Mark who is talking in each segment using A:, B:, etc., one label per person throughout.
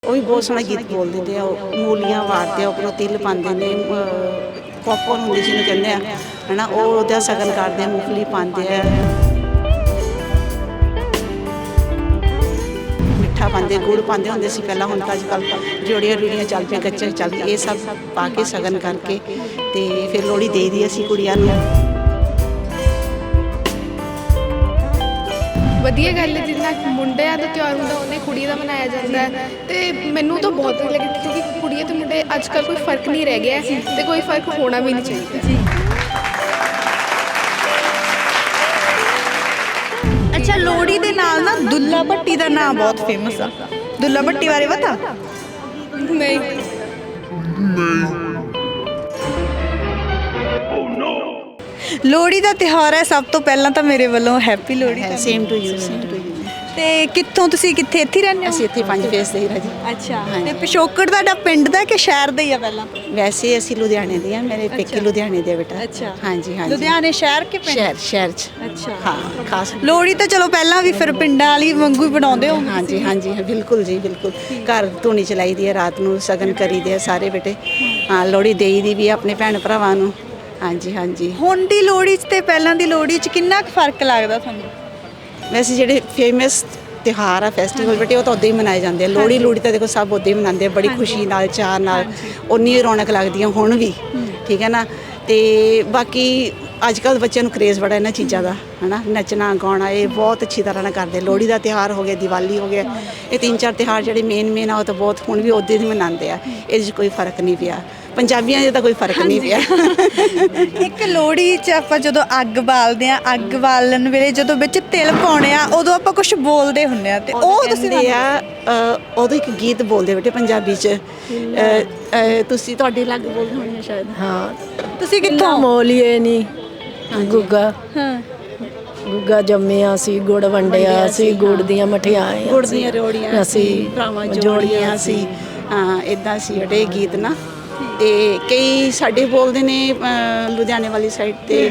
A: ਉਹ ਵੀ ਬਹੁਤ ਸੋਹਣਾ ਗੀਤ ਬੋਲ ਦਿੰਦੇ ਆ। ਉਹ ਮੂਲੀਆਂ ਵਾਰਦੇ ਆ, ਉੱਪਰੋਂ ਤਿਲ ਪਾਉਂਦੇ ਨੇ, ਪੌਪਕੌਰਨ ਹੁੰਦੀ ਜਿਹਨੂੰ ਕਹਿੰਦੇ ਆ, ਹੈ ਨਾ। ਉਹ ਉਹਦਾ ਸ਼ਗਨ ਕਰਦੇ ਆ, ਮੂੰਗਫਲੀ ਪਾਉਂਦੇ ਆ, ਮਿੱਠਾ ਪਾਉਂਦੇ, ਗੁੜ ਪਾਉਂਦੇ ਹੁੰਦੇ ਸੀ ਪਹਿਲਾਂ। ਹੁਣ ਤਾਂ ਅੱਜ ਕੱਲ੍ਹ ਰਿਓੜੀਆਂ ਰੂੜੀਆਂ ਚੱਲ ਪਈਆਂ, ਗੱਚਕ ਚੱਲ ਪਈ। ਇਹ ਸਭ ਪਾ ਕੇ ਸ਼ਗਨ ਕਰਕੇ ਅਤੇ ਫਿਰ ਲੋਹੜੀ ਦੇ ਦੀ ਅਸੀਂ ਕੁੜੀਆਂ ਨੂੰ।
B: ਵਧੀਆ ਗੱਲ ਹੈ, ਜਿੰਨਾ ਮੁੰਡਿਆਂ ਦਾ ਤਿਉਹਾਰ ਹੁੰਦਾ ਉਹਨੇ ਕੁੜੀ ਦਾ ਮਨਾਇਆ ਜਾਂਦਾ ਹੈ। ਅਤੇ ਮੈਨੂੰ ਤਾਂ ਬਹੁਤ ਵਧੀਆ ਲੱਗਦਾ, ਕਿਉਂਕਿ ਕੁੜੀਆਂ ਅਤੇ ਮੁੰਡੇ ਅੱਜ ਕੱਲ੍ਹ ਕੋਈ ਫਰਕ ਨਹੀਂ ਰਹਿ ਗਿਆ ਅਤੇ ਕੋਈ ਫਰਕ ਹੋਣਾ ਵੀ ਨਹੀਂ ਚਾਹੀਦਾ ਜੀ।
C: ਅੱਛਾ, ਲੋਹੜੀ ਦੇ ਨਾਲ ਨਾ ਦੁੱਲਾ ਭੱਟੀ ਦਾ ਨਾਮ ਬਹੁਤ ਫੇਮਸ ਆ। ਦੁੱਲਾ ਭੱਟੀ ਬਾਰੇ ਪਤਾ?
B: ਨਹੀਂ।
C: ਲੋਹੜੀ ਦਾ ਤਿਉਹਾਰ ਹੈ, ਸਭ ਤੋਂ ਪਹਿਲਾਂ ਤਾਂ ਮੇਰੇ ਵੱਲੋਂ happy Lohri.
A: Same to you, same to you.
C: ਤੇ ਕਿੱਥੋਂ ਤੁਸੀਂ ਇੱਥੇ ਹੀ ਰਹਿੰਦੇ ਹੋ?
A: ਅਸੀਂ ਇੱਥੇ 5 ਫੇਸ ਦੇ ਹੀ ਰਾਜੀ।
C: ਅੱਛਾ, ਤੇ ਪਿਛੋਕੜ ਤੁਹਾਡਾ ਪਿੰਡ ਦਾ ਕਿ ਸ਼ਹਿਰ ਦਾ ਹੀ ਆ? ਪਹਿਲਾਂ
A: ਵੈਸੇ ਅਸੀਂ ਲੁਧਿਆਣੇ ਦੇ ਆ, ਮੇਰੇ ਪੇਕੇ ਲੁਧਿਆਣੇ ਦੇ ਬੇਟਾ।
C: ਅੱਛਾ,
A: ਹਾਂਜੀ ਹਾਂਜੀ।
C: ਲੁਧਿਆਣੇ ਸ਼ਹਿਰ ਕਿ ਪਿੰਡ?
A: ਸ਼ਹਿਰ 'ਚ।
C: ਅੱਛਾ,
A: ਹਾਂ, ਖਾਸ
C: ਲੋਹੜੀ ਤਾਂ ਚਲੋ ਪਹਿਲਾਂ ਵੀ ਫਿਰ ਪਿੰਡਾਂ ਵਾਲੀ ਵਾਂਗੂ ਹੀ ਬਣਾਉਂਦੇ ਹੋ?
A: ਹਾਂਜੀ ਹਾਂਜੀ, ਬਿਲਕੁਲ ਜੀ, ਬਿਲਕੁਲ। ਘਰ ਧੂਣੀ ਚਲਾਈ ਦੀ ਹੈ, ਰਾਤ ਨੂੰ ਸ਼ਗਨ ਕਰੀਦੇ ਆ ਸਾਰੇ ਬੇਟੇ। ਹਾਂ, ਲੋਹੜੀ ਦੇਈ ਦੀ ਵੀ ਆਪਣੇ ਭੈਣ ਭਰਾਵਾਂ ਨੂੰ। ਹਾਂਜੀ ਹਾਂਜੀ।
C: ਹੁਣ ਦੀ ਲੋਹੜੀ 'ਚ ਤੇ ਪਹਿਲਾਂ ਦੀ ਲੋਹੜੀ 'ਚ ਕਿੰਨਾ ਕੁ ਫਰਕ ਲੱਗਦਾ ਤੁਹਾਨੂੰ?
A: ਵੈਸੇ ਜਿਹੜੇ ਫੇਮਸ ਤਿਉਹਾਰ ਆ, ਫੈਸਟੀਵਲ ਬੇਟੇ, ਉਹ ਤਾਂ ਉੱਦਾਂ ਹੀ ਮਨਾਏ ਜਾਂਦੇ ਆ। ਲੋਹੜੀ ਤਾਂ ਦੇਖੋ ਸਭ ਉੱਦਾਂ ਹੀ ਮਨਾਉਂਦੇ ਆ, ਬੜੀ ਖੁਸ਼ੀ ਨਾਲ, ਚਾਅ ਨਾਲ। ਉਨੀ ਰੌਣਕ ਲੱਗਦੀ ਆ ਹੁਣ ਵੀ, ਠੀਕ ਹੈ ਨਾ। ਅਤੇ ਬਾਕੀ ਅੱਜ ਕੱਲ੍ਹ ਬੱਚਿਆਂ ਨੂੰ ਕਰੇਜ਼ ਬੜਾ ਇਹਨਾਂ ਚੀਜ਼ਾਂ ਦਾ, ਹੈ ਨਾ। ਨੱਚਣਾ ਗਾਉਣਾ ਇਹ ਬਹੁਤ ਅੱਛੀ ਤਰ੍ਹਾਂ ਨਾਲ ਕਰਦੇ। ਲੋਹੜੀ ਦਾ ਤਿਉਹਾਰ ਹੋ ਗਿਆ, ਦੀਵਾਲੀ ਹੋ ਗਿਆ, ਇਹ 3-4 ਤਿਉਹਾਰ ਜਿਹੜੇ ਮੇਨ ਆ, ਉਹ ਤਾਂ ਬਹੁਤ ਹੁਣ ਵੀ ਉੱਦਾਂ ਹੀ ਮਨਾਉਂਦੇ ਆ। ਇਹਦੇ 'ਚ ਕੋਈ ਫਰਕ ਨਹੀਂ ਪਿਆ, ਪੰਜਾਬੀਆਂ 'ਚ ਤਾਂ ਕੋਈ ਫਰਕ ਨਹੀਂ ਪਿਆ।
C: ਇੱਕ ਲੋਹੜੀ 'ਚ ਆਪਾਂ ਜਦੋਂ ਅੱਗ ਬਾਲਦੇ ਆ, ਅੱਗ ਬਾਲਣ ਵੇਲੇ ਜਦੋਂ ਵਿੱਚ ਤਿਲ ਪਾਉਣੇ ਆ, ਉਦੋਂ ਆਪਾਂ ਕੁਝ ਬੋਲਦੇ ਹੁੰਦੇ ਆ, ਤੇ ਉਹ ਤੁਸੀਂ
A: ਉਦੋਂ ਇੱਕ ਗੀਤ ਬੋਲਦੇ ਬੇਟੇ ਪੰਜਾਬੀ 'ਚ। ਤੁਸੀਂ ਤੁਹਾਡੇ ਲੱਗ ਬੋਲਦੇ ਹੋਣੇ ਆ ਸ਼ਾਇਦ।
D: ਹਾਂ,
C: ਤੁਸੀਂ ਕਿੱਥੋਂ?
D: ਮੋਲੀਏ ਨਹੀਂ ਗੁੱਗਾ।
C: ਹਾਂ,
D: ਗੁੱਗਾ ਜੰਮਿਆ ਸੀ, ਗੁੜ ਵੰਡਿਆ ਸੀ, ਗੁੜ ਦੀਆਂ ਮਠਿਆਈਆਂ,
A: ਗੁੜ ਦੀਆਂ ਰਿਓੜੀਆਂ
D: ਅਸੀਂ
A: ਭਰਾਵਾਂ ਜੋੜੀਆਂ ਸੀ। ਹਾਂ, ਇੱਦਾਂ ਸੀ ਬੇਟੇ ਗੀਤ ਨਾ। ਅਤੇ ਕਈ ਸਾਡੇ ਬੋਲਦੇ ਨੇ ਲੁਧਿਆਣੇ ਵਾਲੀ ਸਾਈਡ 'ਤੇ,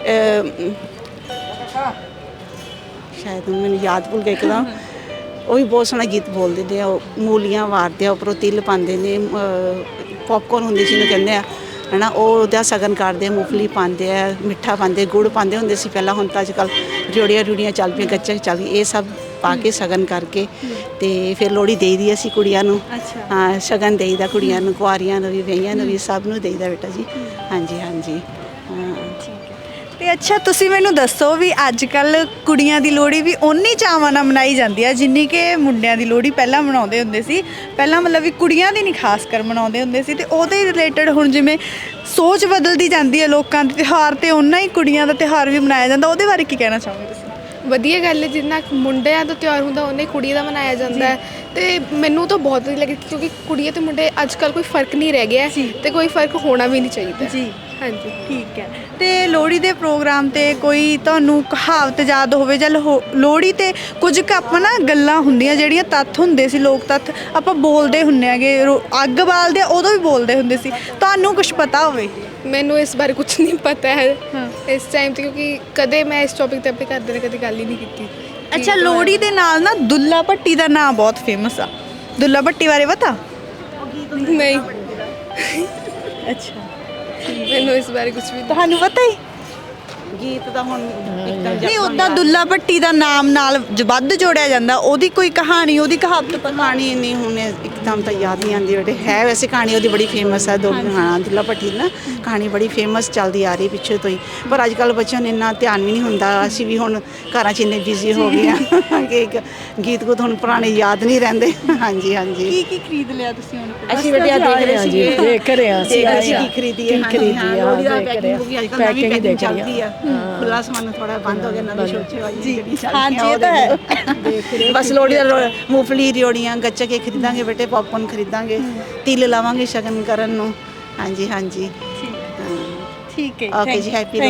A: ਸ਼ਾਇਦ ਮੈਨੂੰ ਯਾਦ ਭੁੱਲ ਗਿਆ ਇੱਕਦਮ। ਉਹ ਵੀ ਬਹੁਤ ਸੋਹਣਾ ਗੀਤ ਬੋਲ ਦਿੰਦੇ ਆ। ਉਹ ਮੂਲੀਆਂ ਵਾਰਦੇ ਆ, ਉੱਪਰੋਂ ਤਿਲ ਪਾਉਂਦੇ ਨੇ, ਪੌਪਕੌਰਨ ਹੁੰਦੀ ਜਿਹਨੂੰ ਕਹਿੰਦੇ ਆ, ਹੈ ਨਾ। ਉਹ ਉਹਦਾ ਸ਼ਗਨ ਕਰਦੇ ਆ, ਮੂੰਗਫਲੀ ਪਾਉਂਦੇ ਆ, ਮਿੱਠਾ ਪਾਉਂਦੇ, ਗੁੜ ਪਾਉਂਦੇ ਹੁੰਦੇ ਸੀ ਪਹਿਲਾਂ। ਹੁਣ ਤਾਂ ਅੱਜ ਕੱਲ੍ਹ ਰਿਓੜੀਆਂ ਰੂੜੀਆਂ ਚੱਲ ਪਈਆਂ, ਗੱਚਕ ਚੱਲ ਗਈ। ਇਹ ਸਭ ਪਾ ਕੇ ਸ਼ਗਨ ਕਰਕੇ ਅਤੇ ਫਿਰ ਲੋਹੜੀ ਦੇਈ ਦੀ ਅਸੀਂ ਕੁੜੀਆਂ ਨੂੰ। ਹਾਂ, ਸ਼ਗਨ ਦੇਈਦਾ ਕੁੜੀਆਂ ਨੂੰ, ਕੁਆਰੀਆਂ ਨੂੰ ਵੀ, ਵਿਆਹੀਆਂ ਨੂੰ ਵੀ, ਸਭ ਨੂੰ ਦੇਈਦਾ ਬੇਟਾ ਜੀ। ਹਾਂਜੀ ਹਾਂਜੀ। ਹਾਂ,
C: ਤੇ ਅੱਛਾ, ਤੁਸੀਂ ਮੈਨੂੰ ਦੱਸੋ ਵੀ ਅੱਜ ਕੱਲ੍ਹ ਕੁੜੀਆਂ ਦੀ ਲੋਹੜੀ ਵੀ ਓਨੀ ਚਾਵਾਂ ਨਾਲ ਮਨਾਈ ਜਾਂਦੀ ਆ ਜਿੰਨੀ ਕਿ ਮੁੰਡਿਆਂ ਦੀ ਲੋਹੜੀ ਪਹਿਲਾਂ ਮਨਾਉਂਦੇ ਹੁੰਦੇ ਸੀ। ਪਹਿਲਾਂ ਮਤਲਬ ਵੀ ਕੁੜੀਆਂ ਦੀ ਨਹੀਂ ਖਾਸ ਕਰ ਮਨਾਉਂਦੇ ਹੁੰਦੇ ਸੀ, ਅਤੇ ਉਹਦੇ ਰਿਲੇਟਡ ਹੁਣ ਜਿਵੇਂ ਸੋਚ ਬਦਲਦੀ ਜਾਂਦੀ ਹੈ ਲੋਕਾਂ ਦੇ ਤਿਉਹਾਰ, ਅਤੇ ਓਨਾ ਹੀ ਕੁੜੀਆਂ ਦਾ ਤਿਉਹਾਰ ਵੀ ਮਨਾਇਆ ਜਾਂਦਾ। ਉਹਦੇ ਬਾਰੇ ਕੀ ਕਹਿਣਾ ਚਾਹੋਗੇ ਤੁਸੀਂ?
B: ਵਧੀਆ ਗੱਲ ਹੈ, ਜਿੰਨਾ ਮੁੰਡਿਆਂ ਦਾ ਤਿਉਹਾਰ ਹੁੰਦਾ ਉਹਨੇ ਕੁੜੀ ਦਾ ਮਨਾਇਆ ਜਾਂਦਾ ਹੈ। ਅਤੇ ਮੈਨੂੰ ਤਾਂ ਬਹੁਤ ਵਧੀਆ ਲੱਗਦਾ, ਕਿਉਂਕਿ ਕੁੜੀਆਂ ਅਤੇ ਮੁੰਡੇ ਅੱਜ ਕੱਲ੍ਹ ਕੋਈ ਫਰਕ ਨਹੀਂ ਰਹਿ ਗਿਆ ਅਤੇ ਕੋਈ ਫਰਕ ਹੋਣਾ ਵੀ ਨਹੀਂ ਚਾਹੀਦਾ
C: ਜੀ।
B: ਹਾਂਜੀ,
C: ਠੀਕ ਹੈ। ਤੇ ਲੋਹੜੀ ਦੇ ਪ੍ਰੋਗਰਾਮ 'ਤੇ ਕੋਈ ਤੁਹਾਨੂੰ ਕਹਾਵਤ ਯਾਦ ਹੋਵੇ, ਜਾਂ ਲੋਹੜੀ 'ਤੇ ਕੁਝ ਕੁ ਆਪਾਂ ਨਾ ਗੱਲਾਂ ਹੁੰਦੀਆਂ ਜਿਹੜੀਆਂ ਤੱਥ ਹੁੰਦੇ ਸੀ, ਲੋਕ ਤੱਥ ਆਪਾਂ ਬੋਲਦੇ ਹੁੰਦੇ ਹੈਗੇ, ਅੱਗ ਬਾਲਦੇ ਉਦੋਂ ਵੀ ਬੋਲਦੇ ਹੁੰਦੇ ਸੀ, ਤੁਹਾਨੂੰ ਕੁਝ ਪਤਾ ਹੋਵੇ?
B: ਮੈਨੂੰ ਇਸ ਬਾਰੇ ਕੁਝ ਨਹੀਂ ਪਤਾ ਹੈ ਇਸ ਟਾਈਮ 'ਤੇ, ਕਿਉਂਕਿ ਕਦੇ ਮੈਂ ਇਸ ਟੌਪਿਕ 'ਤੇ ਆਪਣੇ ਘਰਦਿਆਂ ਨੇ ਕਦੇ ਗੱਲ ਹੀ ਨਹੀਂ ਕੀਤੀ।
C: ਅੱਛਾ, ਲੋਹੜੀ ਦੇ ਨਾਲ ਨਾ ਦੁੱਲਾ ਭੱਟੀ ਦਾ ਨਾਮ ਬਹੁਤ ਫੇਮਸ ਆ। ਦੁੱਲਾ ਭੱਟੀ ਬਾਰੇ ਪਤਾ?
B: ਨਹੀਂ,
C: ਅੱਛਾ,
B: ਮੈਨੂੰ ਇਸ ਬਾਰੇ ਕੁਝ ਵੀ
C: ਤੁਹਾਨੂੰ ਪਤਾ ਹੀ
A: ਗੀਤ ਦਾ ਹੁਣ ਇੱਕਦਮ
C: ਨਹੀਂ। ਉੱਦਾਂ ਦੁੱਲਾ ਭੱਟੀ ਦਾ ਨਾਮ ਨਾਲ ਵੱਧ ਜੋੜਿਆ ਜਾਂਦਾ, ਉਹਦੀ ਕੋਈ ਕਹਾਣੀ, ਉਹਦੀ ਕਹਾਵਤ ਪਤਾ?
A: ਕਹਾਣੀ ਨਹੀਂ ਹੁਣ ਇੱਕਦਮ ਤਾਂ ਯਾਦ ਨਹੀਂ ਆਉਂਦੀ ਬੇਟੇ। ਹੈ ਵੈਸੇ ਕਹਾਣੀ ਉਹਦੀ ਬੜੀ ਫੇਮਸ ਹੈ। ਹਾਂ, ਦੁੱਲਾ ਭੱਟੀ ਦੀ ਨਾ ਕਹਾਣੀ ਬੜੀ ਫੇਮਸ ਚੱਲਦੀ ਆ ਰਹੀ ਪਿੱਛੇ ਤੋਂ ਹੀ, ਪਰ ਅੱਜ ਕੱਲ੍ਹ ਬੱਚਿਆਂ ਨੂੰ ਇੰਨਾ ਧਿਆਨ ਵੀ ਨਹੀਂ ਹੁੰਦਾ। ਅਸੀਂ ਵੀ ਹੁਣ ਘਰਾਂ 'ਚ ਇੰਨੇ ਬਿਜ਼ੀ ਹੋ ਗਏ ਹਾਂ ਕਿ ਇੱਕ ਗੀਤ ਗੁੱਤ ਹੁਣ ਪੁਰਾਣੇ ਯਾਦ ਨਹੀਂ ਰਹਿੰਦੇ। ਹਾਂਜੀ ਹਾਂਜੀ।
C: ਕੀ ਖਰੀਦ ਲਿਆ ਤੁਸੀਂ ਹੁਣ?
A: ਅਸੀਂ ਬੇਟੇ ਆ ਦੇਖ ਰਹੇ ਸੀ,
D: ਦੇਖ ਰਹੇ ਹਾਂ ਅਸੀਂ
A: ਕੀ ਖਰੀਦੀਏ। ਲੋਹੜੀ ਦਾ ਪੈਕਿੰਗ ਵੀ ਅੱਜ ਕੱਲ੍ਹ ਨਵੀਂ ਪੈਕਿੰਗ ਚੱਲਦੀ ਆ। ਖੁੱਲ੍ਹਾ ਸਮਾਨ ਥੋੜ੍ਹਾ ਬੰਦ ਹੋ ਗਿਆ, ਨਵੀਂ ਸੋਚੇ ਵਾਲੀ ਜਿਹੜੀ ਚੱਲਦੀ ਆ।
C: ਇਹ ਤਾਂ ਹੈ।
A: ਬਸ ਲੋਹੜੀ ਦਾ ਮੂੰਗਫਲੀ, ਰਿਓੜੀਆਂ, ਗੱਚਕ ਇਹ ਖਰੀਦਾਂਗੇ ਬੇਟੇ, ਪੌਪਕੌਰਨ ਖਰੀਦਾਂਗੇ, ਤਿਲ ਲਾਵਾਂਗੇ ਸ਼ਗਨ ਕਰਨ ਨੂੰ। ਹਾਂਜੀ ਹਾਂਜੀ।
C: ਠੀਕ ਹੈ।
A: ਓਕੇ ਜੀ, ਹੈਪੀ